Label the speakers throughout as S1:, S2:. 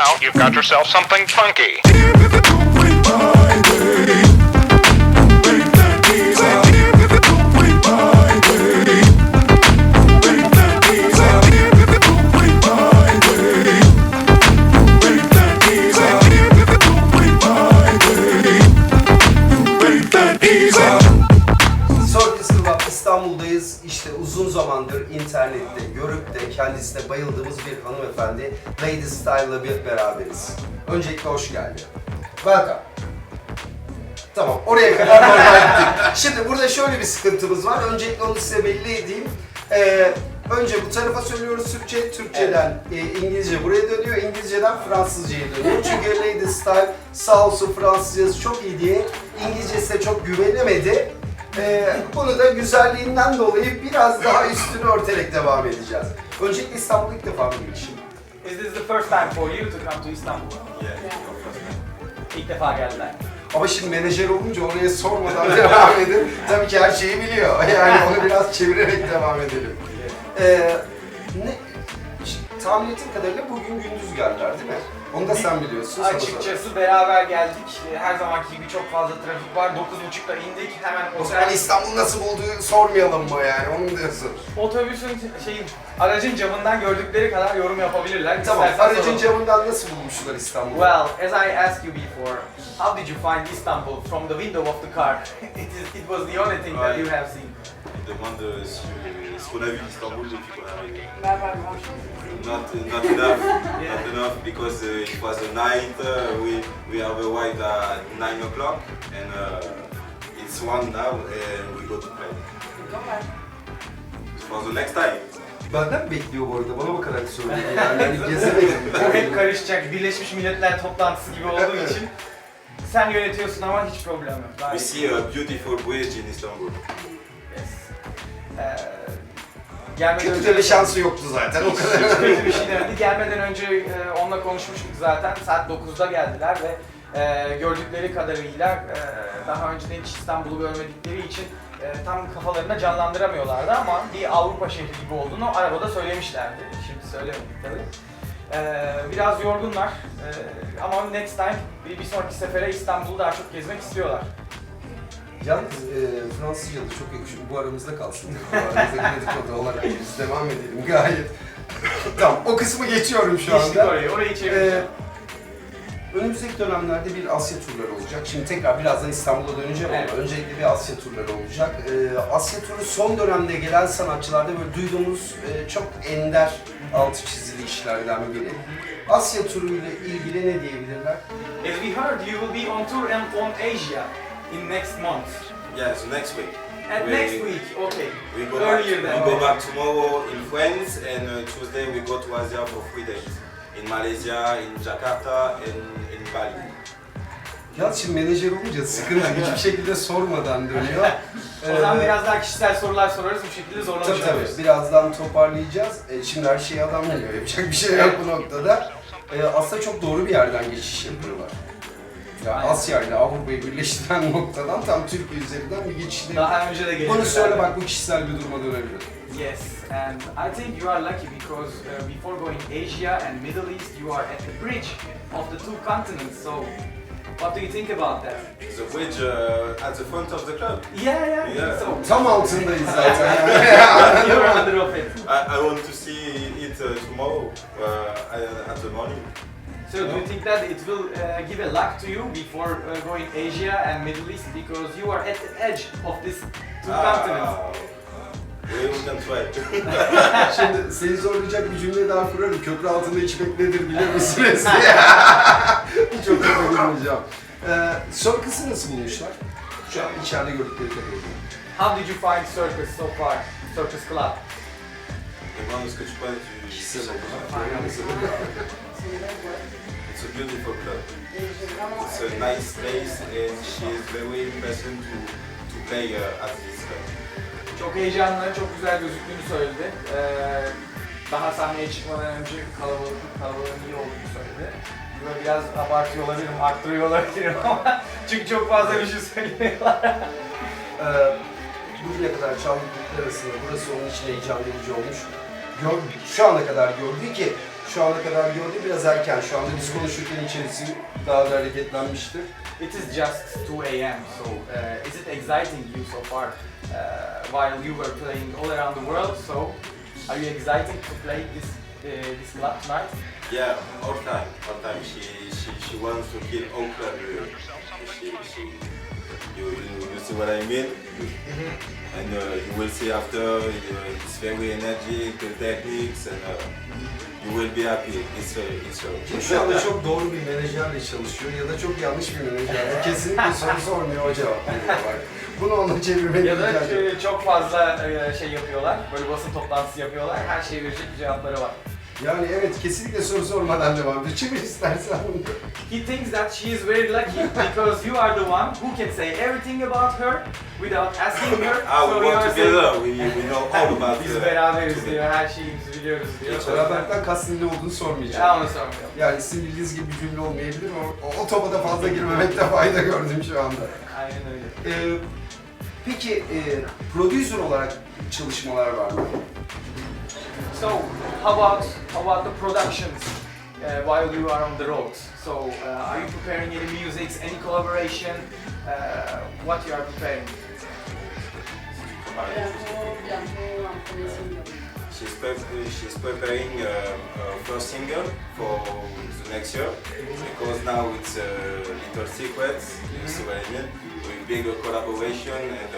S1: Now you've got yourself something funky.
S2: İstanbul'dayız. İşte uzun zamandır internette görüp de kendisine bayıldığımız bir hanımefendi Lady Style'la beraberiz. Öncelikle hoş geldin. Welcome. Tamam, oraya kadar normal gittik. Şimdi burada şöyle bir sıkıntımız var. Öncelikle onu size belli edeyim. Önce bu tarafa söylüyoruz Türkçe, Türkçeden İngilizce buraya dönüyor, İngilizceden Fransızca'ya dönüyor. Çünkü Lady Style sağ olsun Fransızcası çok iyi diye İngilizcesine çok güvenemedi. Bunu da güzelliğinden dolayı biraz daha üstünü örterek devam edeceğiz. Öncelikle İstanbul'a ilk defa mı gelişim?
S3: Is this the first time for you to come to Istanbul?
S4: Yeah.
S3: İlk defa geldiler.
S2: Ama şimdi menajer olunca oraya sormadan devam edin. Tabii ki her şeyi biliyor. Yani onu biraz çevirerek devam edelim. Tahmin ettiğim kadarıyla bugün gündüz geldiler değil mi? Onu da sen biliyorsun.
S3: Açıkçası beraber geldik. Her zamanki gibi çok fazla trafik var. 9.30'da indik. Hemen
S2: O zaman İstanbul nasıl bulduğu sormayalım mı yani? Onu mu diyorsun?
S3: otobüsün aracın camından gördükleri kadar yorum yapabilirler.
S2: Tamam,
S3: İstersen
S2: aracın
S3: soralım.
S2: camından nasıl bulmuşlar İstanbul'u?
S3: Well, as I asked you before, how did you find Istanbul from the window of the car? It was the only thing that you have seen.
S4: Il demande ce qu'on a vu d'Istanbul depuis qu'on est arrivé.
S5: Pas grand-chose.
S4: Not enough, not enough because it was a night. We have arrived at 9 o'clock and it's 1 now and we go to play.
S5: Normal.
S4: For the next time.
S2: Benden mi bekliyor bu arada? Bana bakarak söylüyor yani. Hani gezemedim.
S3: Bu hep karışacak. Birleşmiş Milletler toplantısı gibi olduğu için sen yönetiyorsun ama hiç problem yok.
S4: We see a beautiful bridge in Istanbul.
S3: Yes. Gelmeden
S2: Kötü
S3: önce
S2: de bir şansı yoktu zaten o kadar.
S3: hiç kötü bir şey demedi. Gelmeden önce onunla konuşmuştuk zaten. Saat 9'da geldiler ve gördükleri kadarıyla daha önceden hiç İstanbul'u görmedikleri için tam kafalarında canlandıramıyorlardı ama bir Avrupa şehri gibi olduğunu arabada söylemişlerdi. Şimdi söylemedik tabii. Biraz yorgunlar ama next time bir sonraki sefere İstanbul'u daha çok gezmek istiyorlar.
S2: Yalnız Fransızca da çok yakışıyor. Bu aramızda kalsın. Bu aramızdaki dedikodu olarak biz devam edelim gayet. Tamam, o kısmı geçiyorum şu
S3: Geçtik
S2: anda.
S3: orayı çevireceğim.
S2: Önümüzdeki dönemlerde bir Asya turları olacak. Şimdi tekrar birazdan İstanbul'a döneceğim
S3: Evet.
S2: ama öncelikle bir Asya turları olacak. Asya turu son dönemde gelen sanatçılarda böyle duyduğumuz çok ender altı çizili işlerden biri. Asya turu ile ilgili ne diyebilirler?
S3: As we heard, you will be on tour and on Asia in next month.
S4: Yeah, so next week.
S3: And next week, okay.
S4: We go
S3: Earlier
S4: back.
S3: than.
S4: We go back tomorrow in France and Tuesday we go to Asia for 3 days. In Malaysia, in Jakarta, and in Bali.
S2: Ya şimdi menajer olunca sıkıntı hiçbir şekilde sormadan dönüyor.
S3: O zaman biraz daha kişisel sorular sorarız, bu şekilde zorlamış
S2: Tabii
S3: oluruz.
S2: birazdan toparlayacağız. Şimdi her şeyi adam biliyor, yapacak bir şey yok bu noktada. Aslında çok doğru bir yerden geçiş yapıyorlar. Yani
S3: Aynen.
S2: Asya ile Avrupa'yı birleştiren noktadan tam Türkiye üzerinden bir geçişle.
S3: Daha önce de gelişti.
S2: Bunu söyle bak, bu kişisel bir duruma dönebilir.
S3: Yes, and I think you are lucky because before going Asia and Middle East, you are at the bridge of the two continents. So, what do you think about that?
S4: The bridge at the front of the club.
S3: Yeah.
S4: Yeah.
S3: So,
S2: Tam altındayız zaten.
S3: you're under of it.
S4: I want to see it tomorrow at the morning.
S3: So, do you think that it will give a luck to you before going Asia and Middle East because you are at the edge of this two continents?
S4: We can try.
S2: Şimdi seni zorlayacak bir cümle daha kurarım. Köprü altında içmek nedir biliyor musunuz? Hiç o kadar girmeyeceğim. Circus'ı nasıl bulmuşlar? Şu an içeride gördükleri kadarıyla.
S3: How did you find Circus so far? Circus Club?
S4: Demande ce que tu penses du
S2: Kişisel olarak.
S5: C'est une belle boîte.
S4: It's a beautiful club.
S5: Et j'ai vraiment
S4: It's a nice place and she is very pleasant to play at this club.
S3: Çok heyecanlı, çok güzel gözüktüğünü söyledi. Daha sahneye çıkmadan önce kalabalığın iyi olduğunu söyledi. Burada biraz abartıyor olabilirim, arttırıyor olabilirim ama çünkü çok fazla bir şey söylüyorlar.
S2: Bugüne kadar çaldıkları arasında burası onun için heyecan verici olmuş. Şu ana kadar gördüğü ki Şu ana kadar gördüğü biraz erken. Şu anda biz konuşurken içerisi daha da hareketlenmiştir.
S3: It is just 2 a.m. So is it exciting you so far while you were playing all around the world? So are you excited to play this club tonight?
S4: Yeah, all time. She wants to kill all club. You see what I mean? And you will see after, it's very energetic, the techniques, and you will be happy. It's
S2: Şu anda çok doğru bir menajerle çalışıyor ya da çok yanlış bir menajerle. Kesinlikle soru sormuyor, o cevap veriyor. Bak. Bunu ona çevirmeye
S3: Ya da
S2: gideceğim.
S3: çok fazla şey yapıyorlar, böyle basın toplantısı yapıyorlar, her şeye verecek cevapları var.
S2: Yani evet, kesinlikle soru sormadan devam ediyor. Çevir istersen bunu.
S3: He thinks that she is very lucky because you are the one who can say everything about her without asking her.
S4: we
S3: you
S4: work
S3: are
S4: together,
S3: saying,
S4: we know all about
S3: biz beraberiz diyor, her şeyimizi biliyoruz diyor.
S2: Beraberden kastın ne olduğunu sormayacağım.
S3: Ya onu sormuyorum.
S2: Yani sizin bildiğiniz gibi bir cümle olmayabilir ama o topa da fazla girmemekte fayda gördüm şu anda.
S3: Aynen öyle.
S2: Peki prodüser olarak çalışmalar var mı?
S3: So, how about the productions while you are on the road? So, are you preparing any music, any collaboration? What you are preparing?
S5: Bientôt un premier single.
S4: She's preparing her first single for the next year because now it's Little Secrets, you see what I mean? With bigger collaboration, and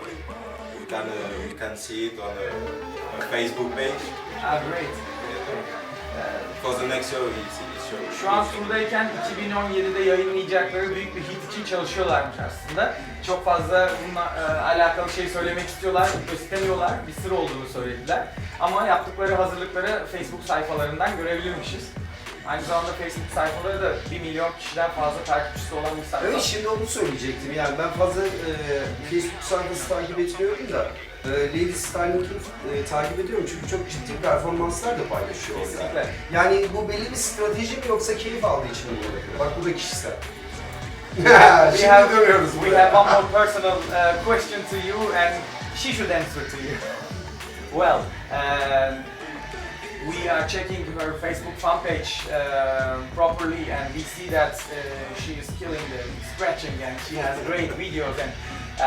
S4: we can see it on a Facebook page.
S3: Ah, great.
S4: For the next year, it's sure.
S3: Şu an turdayken 2017'de yayınlayacakları büyük bir hit için çalışıyorlarmış aslında. Çok fazla bununla alakalı şey söylemek istiyorlar, istemiyorlar, bir sır olduğunu söylediler. Ama yaptıkları hazırlıkları Facebook sayfalarından görebilirmişiz. Aynı zamanda Facebook sayfaları da 1 milyon kişiden fazla takipçisi olan bir sayfa.
S2: Evet, şimdi onu söyleyecektim. Yani ben fazla Facebook sayfası takip etmiyorum da Lady Style'ınkini takip ediyorum çünkü çok ciddi performanslar da paylaşıyor orada.
S3: Kesinlikle.
S2: Yani bu belli bir strateji mi yoksa keyif aldığı için mi yapıyor? Bak bu da kişisel. Şimdi dönüyoruz
S3: We
S2: buraya.
S3: have one more personal question to you and she should answer to you. Well, we are checking her Facebook fan page properly and we see that she is killing the scratching and she has great videos and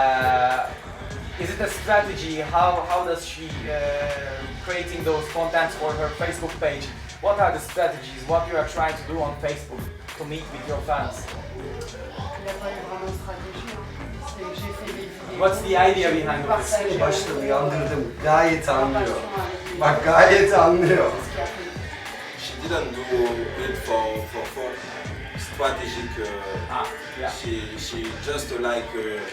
S3: is it a strategy? How does she creating those contents for her Facebook page? What are the strategies? What you are trying to do on Facebook to meet with your fans?
S5: Il n'y a pas eu vraiment de stratégie. C'est que j'ai fait des vidéos.
S3: What's the idea behind
S5: j'ai
S3: this?
S5: partagé
S2: Seni başta
S5: avec
S2: uyandırdım. Gayet
S5: en
S2: anlıyor.
S5: relation avec les
S2: Bak gayet anlıyor.
S5: ce qui a fait.
S4: She didn't do it for strategic.
S3: Ah, yeah.
S4: She just like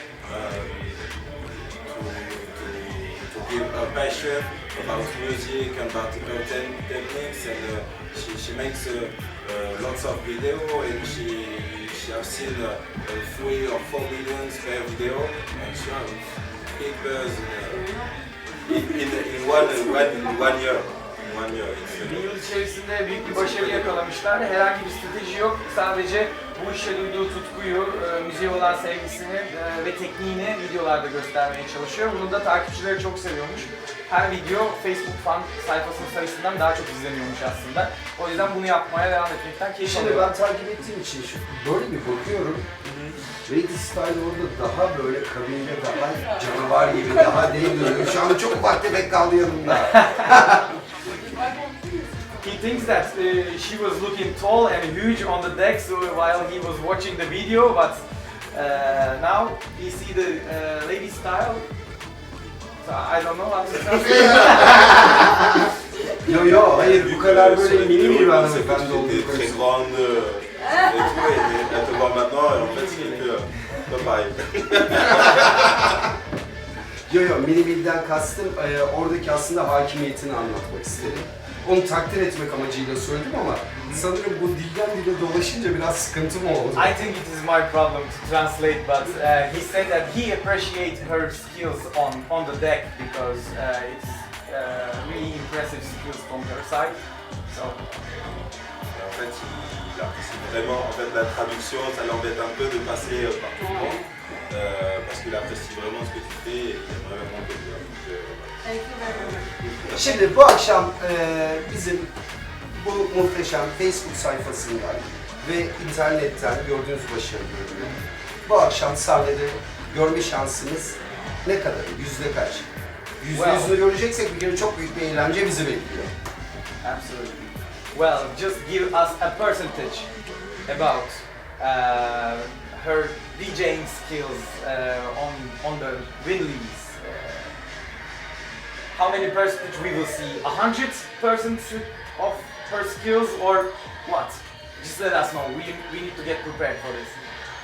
S4: to give a passion about music and about her techniques, and she makes lots of video, and she has seen 3 or 4 million per video, and she has big buzz in one year.
S3: Bir yıl içerisinde büyük bir başarı yakalamışlar. Herhangi bir strateji yok. Sadece bu işe duyduğu tutkuyu, müziğe olan sevgisini ve tekniğini videolarda göstermeye çalışıyor. Bunu da takipçileri çok seviyormuş. Her video Facebook fan sayfasının sayısından daha çok izleniyormuş aslında. O yüzden bunu yapmaya devam etmekten keyif
S2: Şimdi
S3: alıyor.
S2: ben takip ettiğim için böyle bir bakıyorum. Lady Style orada daha böyle kabinde daha canavar gibi, daha değil duruyor. Şu anda çok ufak tefek kaldı yanımda.
S3: He thinks that she was looking tall and huge on the deck so while he was watching the video, but now he see the lady style. So I don't know how to translate.
S2: Yo, hayır bu kadar böyle mini bir
S4: C'est
S2: hanımefendi olduğu
S4: très
S2: konusunda.
S4: grande et tout, et elle te voit maintenant, et en fait c'est que pas pareil.
S2: Yo, mini birden kastım oradaki aslında hakimiyetini anlatmak istedim. Onu takdir etmek amacıyla söyledim ama sanırım bu dilden dile dolaşınca biraz sıkıntı mı oldu?
S3: I think it is my problem to translate, but he said that he appreciates her skills on the deck because it's really impressive skills from her side. So
S4: Et en fait, c'est vraiment, en fait, la traduction, ça l'embête un peu de passer par tout le monde, parce qu'il apprécie vraiment ce que tu fais et il aimerait vraiment te dire.
S5: Thank you very much.
S2: Şimdi bu akşam bizim bu muhteşem Facebook sayfasından ve internetten gördüğünüz başarılarını bu akşam sahnede görme şansımız ne kadar? Yüzde kaç? %100'ünü göreceksek bir kere çok büyük bir eğlence bizi bekliyor.
S3: Absolutely. Well, just give us a percentage about her DJing skills on the Winleys. How many percentage we will see? 100% of her skills or what? Just let us know. We need to get prepared for this.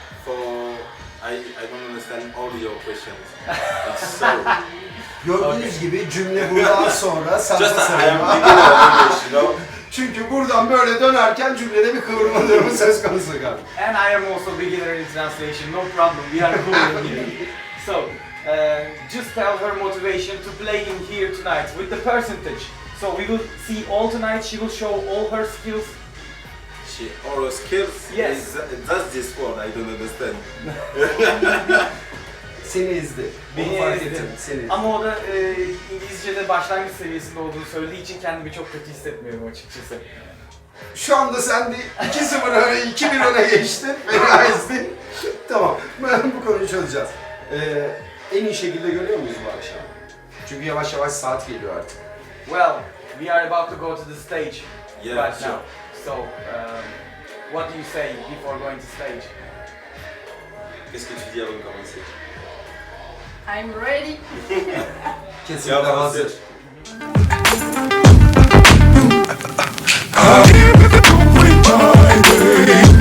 S4: I don't understand all your questions. It's so.
S2: Gördüğünüz gibi cümle buradan sonra sarpa
S4: Just I am
S2: sarma.
S4: beginner of English, you know.
S2: Çünkü buradan böyle dönerken cümlede bir kıvırma durumu söz konusu galiba.
S3: And I am also beginner in translation. No problem. We are cool in here. So, just tell her motivation to play in here tonight with the percentage. So we will see all tonight. She will show all her skills.
S4: All her skills?
S3: Yes.
S4: That's this word, I don't understand.
S2: Seni ezdi.
S3: Beni
S2: Onu fark
S3: ezdi.
S2: ettim, seni ezdi.
S3: Ama o da İngilizce'de başlangıç seviyesinde olduğunu söylediği için kendimi çok kötü hissetmiyorum açıkçası.
S2: Şu anda sen de 2-0 öne, 2-1 öne geçtin. Fena ezdin. Tamam, ben bu konuyu çözeceğiz. En iyi şekilde görüyor muyuz bu akşam? Çünkü yavaş yavaş saat geliyor artık.
S3: Well, we are about to go to the stage
S4: Yeah,
S3: right
S4: sure.
S3: now. So, what do you say before going to stage?
S4: Qu'est-ce que tu dis avant de commencer?
S5: I'm ready.
S2: Kesinlikle
S4: Ya,
S2: hazır.
S6: My way.